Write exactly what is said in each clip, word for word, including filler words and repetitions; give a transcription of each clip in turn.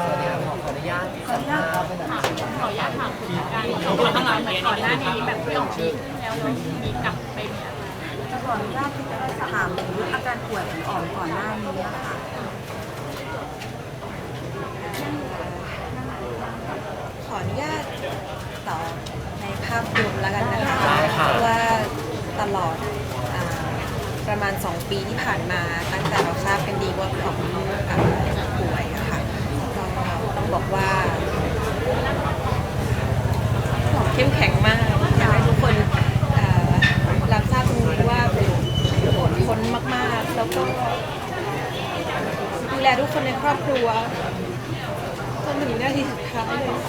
วัสดีครับขอขออนุญาตสัมภาษณ์เป็นแบบขออนุญาตถามคุณการข้างหลังเหมือนก่อนหน้านี้แบบไม่ออกชื่อแล้วแล้วมีกลับไปมีอะไรจะขออนุญาตที่จะถามถึงอาการป่วยของอ่อมก่อนหน้านี้ค่ะขออนุญาตตอบในภาพรวมแล้วกันนะคะว่าตลอดอ่าประมาณสองปีที่ผ่านมาตั้งแต่เราทราบกันดีว่าพี่อ๋อมอ่าป่วยอะค่ะก็ต้องบอกว่าพี่อ๋อมเข้มแข็งมากอยากให้ทุกคนอ่ารับทราบตรงนี้ว่าอดทนมากๆแล้วก็ดูแลทุกคนในครอบครัวจนถึงนาทีสุดท้ายเลย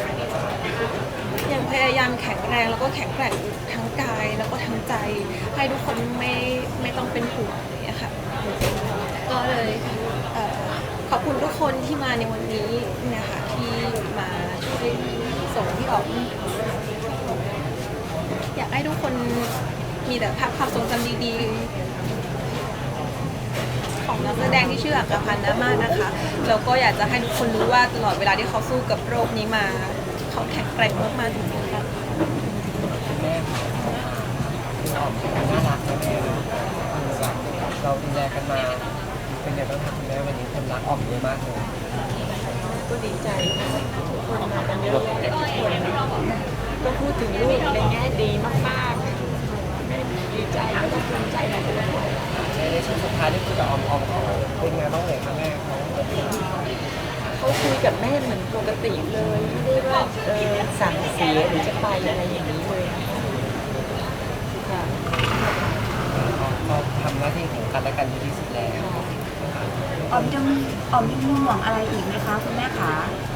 ยังพยายามแข็งแรงแล้วก็แข็งแกร่งทั้งกายแล้วก็ทั้งใจให้ทุกคนไม่ไม่ต้องเป็นห่วงอย่างเงี้ยค่ะก็เลยเอ่อขอบคุณทุกคนที่มาในวันนี้นะคะที่มาช่วยส่งพี่อ๋อมอยากให้ทุกคนมีแต่ภาพความทรงจำดีๆของนักแสดงที่ชื่ออัครพันธ์นะมากนะคะแล้วก็อยากจะให้ทุกคนรู้ว่าตลอดเวลาที่เขาสู้กับโรคนี้มาเขาแข็งแกร่งมากๆจริงๆค่ะแม่คุณออมน่ารักนะแม่เราดูแลกันมาเป็นไงบ้างคะคุณแม่วันนี้คนรักออมเยอะมากเลยก็ดีใจทุกคนมากันเยอะแต่ทุกคนก็พูดถึงลูกในแง่ดีมากๆแม่ดีใจแล้วก็ภูมิใจในตัวเขาในช่วงสุดท้ายได้คุยกับออมออมเขาเป็นไงบ้างเลยคะแม่เขาเขาคุยกับแม่เหมือนปกติเลยไม่ได้ว่าเออสั่งเสียหรือจะไปอะไรอย่างนี้เลยค่ะเขาทำหน้าที่ของกันและกันดีที่สุดแล้วอ่อมจะมีอ่อมมีห่วงอะไรอีกไหมคะคุณแม่คะ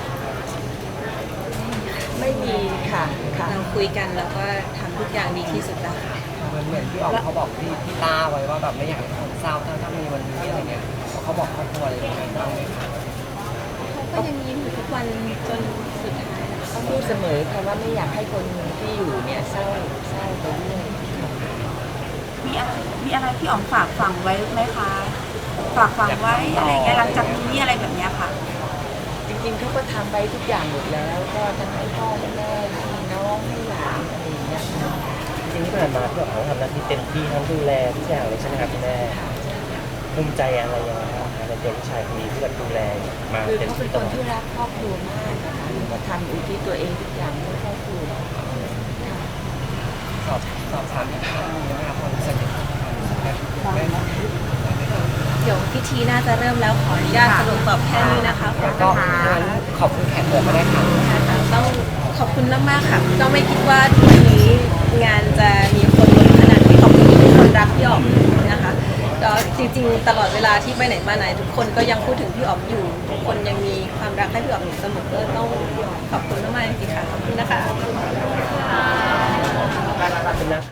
ไม่มีค่ะค่ะเราคุยกันแล้วก็ทำทุกอย่างดีที่สุดแล้วค่ะมันเหมือนพี่ออมเขาบอกพี่พี่ต้าไว้ว่าแบบไม่อยากให้คนเศร้าถ้าถ้ามีวันนี้อะไรเงี้ยเขาบอกครอบครัวอะไรยังไงบ้างไหมคะก็ยังยิ้มอยู่ทุกวันจนสุดท้ายเขาพูดเสมอค่ะว่าไม่อยากให้คนที่อยู่เนี่ยเศร้าเศร้าไปเรื่อยมีอะไรมีอะไรที่อ่อมฝากฝังไว้ไหมคะฝากฝังไว้อะไรเงี้ยหลังจากนี้อะไรแบบนี้ค่ะจริงๆเขาก็ทำไปทุกอย่างหมดแล้วก็ทั้งให้พ่อให้แม่ให้น้องให้หลานอะไรอย่างเงี้ยจริงๆที่ผ่านมาพี่อ๋อมทำหน้าที่เต็มที่ทั้งดูแลทุกอย่างเลยใช่ไหมครับคุณแม่ภูมิใจอะไรยังไงบ้างในตัวผู้ชายคนนี้ที่แบบดูแลมาคือเต็มเขาเป็ที่นตคลนอดที่รักครอบครัวมากนะคะก็ทำอุทิศตัวเองทุกอย่างเพื่อครอบครัวสอบสอบถามอีกครั้งนึงนะครับความรู้สึกแม่เดี๋ยวพิธีน่าจะเริ่มแล้วขออนุญาตสรุปตอบแค่นี้นะคะแล้วก็ขอบคุณแขกเหลือมาได้ค่ะต้องขอบคุณมากๆค่ะก็ไม่คิดว่าวันนี้งานจะมีคนล้นขนาดนี้ขอบคุณที่ทุกคนรักพี่อ๋อมนะคะก็จริงๆตลอดเวลาที่ไปไหนมาไหนทุกคนก็ยังพูดถึงพี่อ๋อมอยู่ทุกคนยังมีความรักให้พี่อ๋อมอยู่เสมอก็ต้องขอบคุณมากๆจริงๆค่ะขอบคุณนะคะ